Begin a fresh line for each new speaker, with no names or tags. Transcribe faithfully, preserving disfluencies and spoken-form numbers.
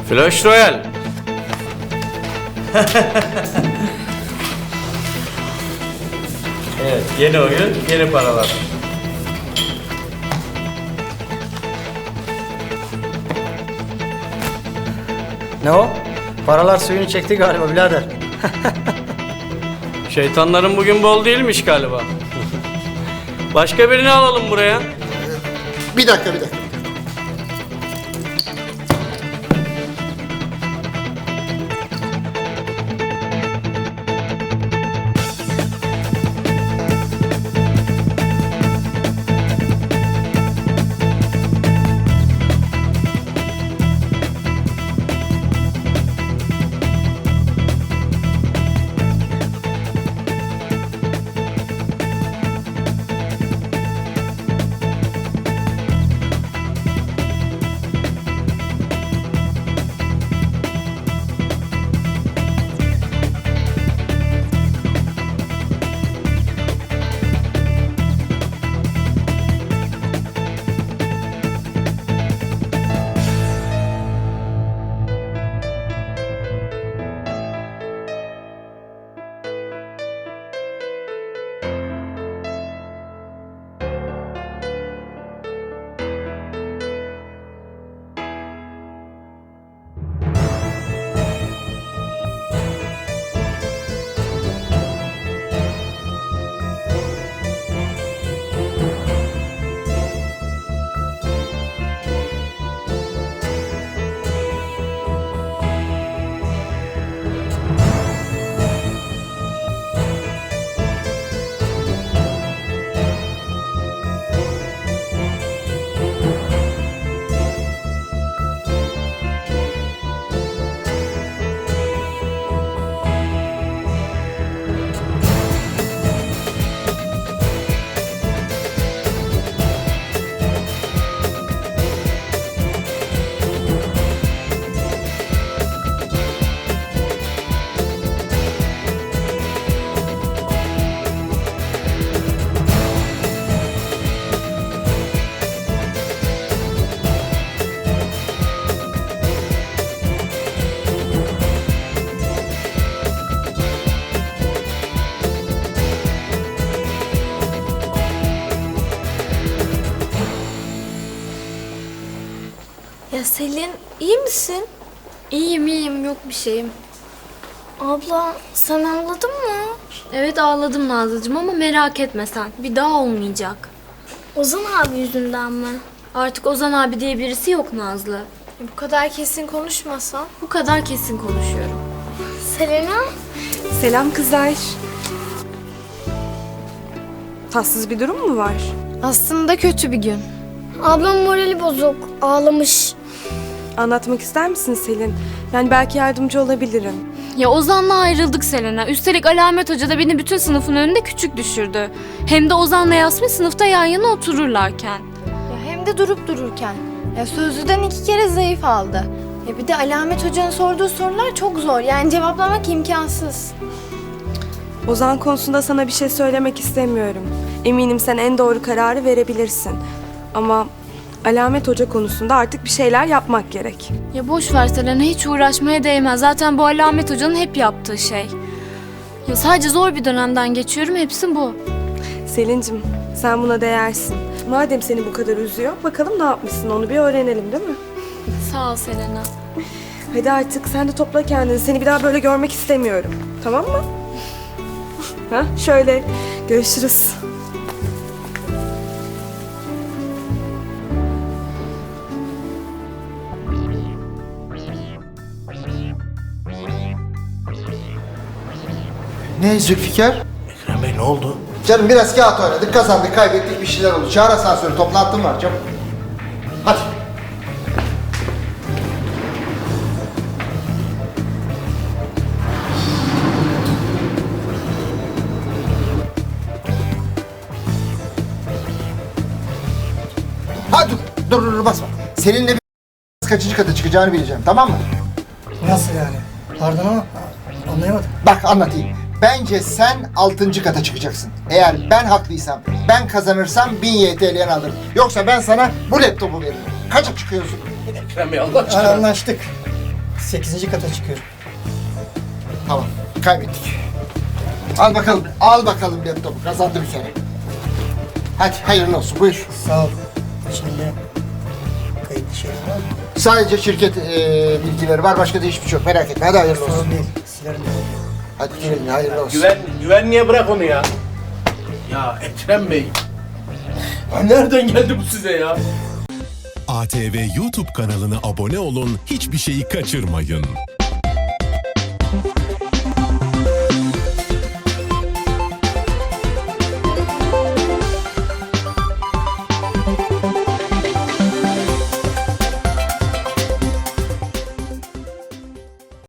Flash Royale. Evet, yeni oyun, yeni paralar.
Ne o? Paralar suyunu çekti galiba birader.
Şeytanların bugün bol değilmiş galiba. Başka birini alalım buraya.
Bir dakika bir dakika.
Ya Selin, iyi misin?
İyiyim iyiyim, yok bir şeyim.
Abla, sen ağladın mı?
Evet ağladım Nazlıcığım ama merak etme sen. Bir daha olmayacak.
Ozan abi yüzünden mi?
Artık Ozan abi diye birisi yok Nazlı.
E, bu kadar kesin konuşmasan.
Bu kadar kesin konuşuyorum.
Selena?
Selam kızlar. Tatsız bir durum mu var?
Aslında kötü bir gün.
Ablam morali bozuk, ağlamış.
Anlatmak ister misin Selin? Yani belki yardımcı olabilirim.
Ya Ozan'la ayrıldık Selena. Üstelik Alamet Hoca da beni bütün sınıfın önünde küçük düşürdü. Hem de Ozan'la Yasmin sınıfta yan yana otururlarken.
Ya hem de durup dururken. Ya sözlüden iki kere zayıf aldı. Ya bir de Alamet Hoca'nın sorduğu sorular çok zor. Yani cevaplamak imkansız.
Ozan konusunda sana bir şey söylemek istemiyorum. Eminim sen en doğru kararı verebilirsin. Ama Alamet Hoca konusunda artık bir şeyler yapmak gerek.
Ya boş ver Selena, hiç uğraşmaya değmez. Zaten bu Alamet Hoca'nın hep yaptığı şey. Ya sadece zor bir dönemden geçiyorum, hepsi bu.
Selin'cim sen buna değersin. Madem seni bu kadar üzüyor, bakalım ne yapmışsın onu bir öğrenelim değil mi?
Sağ ol Selena.
Hadi artık sen de topla kendini. Seni bir daha böyle görmek istemiyorum. Tamam mı? Ha, şöyle. Görüşürüz.
Ne Zülfikar?
Ekrem Bey ne oldu?
Canım biraz kağıt oynadık, kazandık, kaybettik, bir şeyler oldu. Çağır asansörü, toplantım var çabuk. Hadi. Hadi dur, dur dur basma. Seninle bir kaçıncı kata çıkacağını bileceğim, tamam mı?
Nasıl yani? Pardon ama anlayamadım.
Bak anlatayım. Bence sen altıncı kata çıkacaksın. Eğer ben haklıysam, ben kazanırsam bin Y T L'ni alırım. Yoksa ben sana bu laptopu veririm. Kaça çıkıyorsun?
Ekrem Bey Allah aşkına. Anlaştık. sekizinci kata çıkıyorum.
Tamam, kaybettik. Al bakalım, al bakalım laptopu. Kazandı bir kere. Hadi hayırlı olsun, buyur.
Sağ ol. Şimdi kayıtlı şeyler var mı?
Sadece şirket e, bilgileri var, başka da hiçbir şey yok. Merak etme, hadi hayırlı olsun.
Sorun değil. Silerim.
Hadi girelim, hayırlı olsun.
Güven, güvenliğe bırak onu ya. Ya Ekrem Bey. Ya nereden geldi bu size ya?
A T V YouTube kanalına abone olun, hiçbir şeyi kaçırmayın.